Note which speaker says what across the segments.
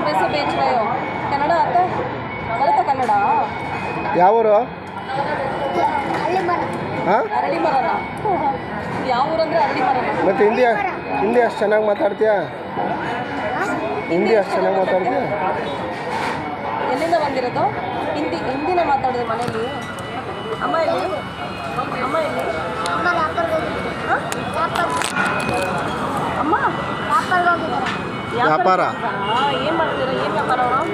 Speaker 1: वैसे बेच रहे हो? कन्नड़ आता है? बरता कन्नड़?
Speaker 2: ಯಾವ ಊರು? ಹಾಂ,
Speaker 1: ಅರಳಿ ಮರನ? ಯಾವ ಊರಂದ್ರೆ ಅರಳಿ ಮರನ?
Speaker 2: ಮತ್ತು ಹಿಂದಿ ಅಷ್ಟು ಚೆನ್ನಾಗಿ ಮಾತಾಡ್ತೀಯಾ? ಹಿಂದಿ ಅಷ್ಟು ಚೆನ್ನಾಗಿ ಮಾತಾಡ್ತೀಯಾ?
Speaker 1: ಎಲ್ಲಿಂದ ಬಂದಿರೋದು? ಹಿಂದಿನ ಮಾತಾಡೋದು ಮನೇಲಿ? ಅಮ್ಮ ಎಲ್ಲಿ? ಅಮ್ಮ ಎಲ್ಲಿ? ಅಮ್ಮ
Speaker 2: ವ್ಯಾಪಾರ
Speaker 1: ಏನು ಮಾಡ್ತೀರಾ? ಏನು ವ್ಯಾಪಾರ ಅವರು?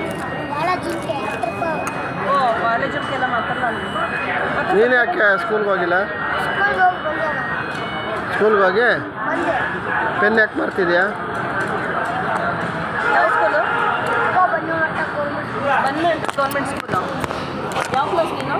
Speaker 1: ಓ, ಕಾಲೇಜಕ್ಕೆ ಎಲ್ಲ ಮಾತಾಡಲ್ಲ.
Speaker 2: ನೀನು ಯಾಕೆ ಸ್ಕೂಲ್ಗೆ ಹೋಗಿಲ್ಲ? ಸ್ಕೂಲ್ಗೆ ಹೋಗಿ ಪೆನ್ ಯಾಕೆ ಮಾಡ್ತಿದ್ಯಾ?
Speaker 1: ಯಾವ ಸ್ಕೂಲು? ಬನ್ಮೆಂಟ್ ಗೌರ್ಮೆಂಟ್ ಸ್ಕೂಲು. ಯಾವ ಕ್ಲಾಸ್ ನೀನು?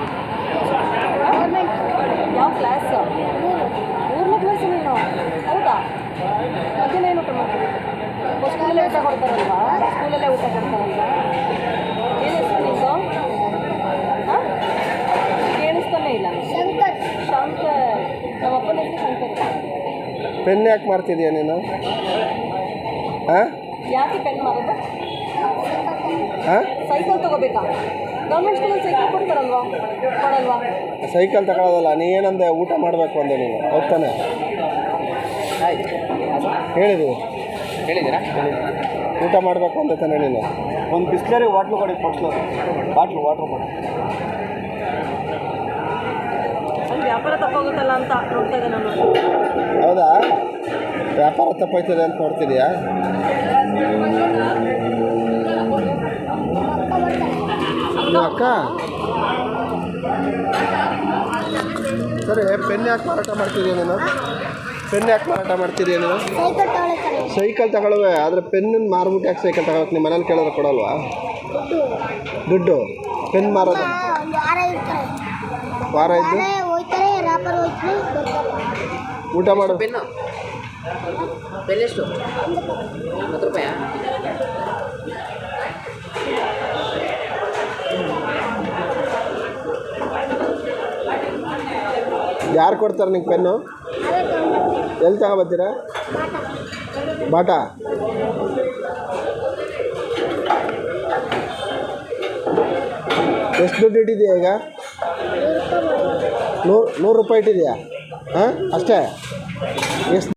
Speaker 1: ಯಾವ ಕ್ಲಾಸ್? 3ನೇ ಕ್ಲಾಸ್ ನೀನು? ಹೌದಾ? ಮಧ್ಯಾಹ್ನ ಏನು ಊಟ ಮಾಡ್ತೀವಿ? ಸ್ಕೂಲಲ್ಲೇ ಊಟ ಕೊಡ್ತಾರಲ್ವಾ? ಸ್ಕೂಲಲ್ಲೇ ಊಟ ಕೊಡ್ತಾರಲ್ವಾ? ಏನು ಹೆಸರು ನಿಂದು? ಹಾಂ, ಕೇಳಿಸ್ತಾನೆ ಇಲ್ಲ. ಶಂಕರ್. ನಮ್ಮ ಅಪ್ಪನ ಹೆಸರು ಶಂಕರ್.
Speaker 2: ಪೆನ್ ಯಾಕೆ ಮಾಡ್ತಿದ್ಯಾ ನೀನು? ಹಾಂ,
Speaker 1: ಯಾಕೆ ಪೆನ್ ಮಾಡೋದು?
Speaker 2: ಹಾಂ,
Speaker 1: ಸೈಕಲ್ ತೊಗೋಬೇಕಾ? ಗೌರ್ಮೆಂಟ್ ಸ್ಕೂಲಲ್ಲಿ ಸೈಕಲ್ ಕೊಡ್ತಾರಲ್ವಾ? ಕೊಡಲ್ವಾ?
Speaker 2: ಸೈಕಲ್ ತಗೊಳ್ಳೋದಲ್ಲ. ನೀ ಏನಂದೆ? ಊಟ ಮಾಡಬೇಕು ಅಂದೆ ನೀನು, ಹೋಗ್ತಾನೆ ಹೇಳಿದ್ದೀರಾ? ಊಟ ಮಾಡಬೇಕು ಅಂದೆ ತಾನೆ ನೀನು?
Speaker 3: ಒಂದು ಬಿಸ್ಲರಿ ವಾಟ್ಲು ಕೊಡಿ, ವಾಟ್ರು ಕೊಡಿ.
Speaker 1: ಅಲ್ಲಿ ವ್ಯಾಪಾರ ತಪ್ಪಾಗುತ್ತಲ್ಲ ಅಂತ ನೋಡ್ತಾ ಇದ್ದೆ ನಾನು.
Speaker 2: ಹೌದಾ? ವ್ಯಾಪಾರ ತಪ್ಪಾಯ್ತದೆ ಅಂತ ನೋಡ್ತಿದ್ಯಾ? ಅಕ್ಕ ಸರಿ, ಪೆನ್ ಯಾಕೆ ಮಾರಾಟ ಮಾಡ್ತಿದ್ಯಾ ನೀನು? ಸೈಕಲ್ ತಗೊಳ್ಳುವೆ, ಆದರೆ ಪೆನ್ನನ್ನು ಮಾರ್ಬಿಟ್ಟು ಯಾಕೆ ಸೈಕಲ್ ತಗೊಳಕ್ಕೆ? ನಿಮ್ಮ ಮನೇಲಿ ಕೇಳಿದ್ರೆ ಕೊಡಲ್ವಾ ದುಡ್ಡು? ಪೆನ್ ಮಾರೋದು ವಾರ ಇದ್ದು ಊಟ ಮಾಡು.
Speaker 1: ಪೆನ್ನು ಎಷ್ಟು? 10 ರೂಪಾಯಾ?
Speaker 2: ಯಾರು ಕೊಡ್ತಾರೆ ನಿಂಗೆ ಪೆನ್ನು? ಎಲ್ಲಿ ತಗೊಬತ್ತೀರಾ? ಬಾಟಾ? ಎಷ್ಟು ದುಡ್ಡು ಇಟ್ಟಿದೆಯಾ ಈಗ? 100 ರೂಪಾಯಿ ಇಟ್ಟಿದೆಯಾ? ಹಾಂ, ಅಷ್ಟೇ? ಎಷ್ಟು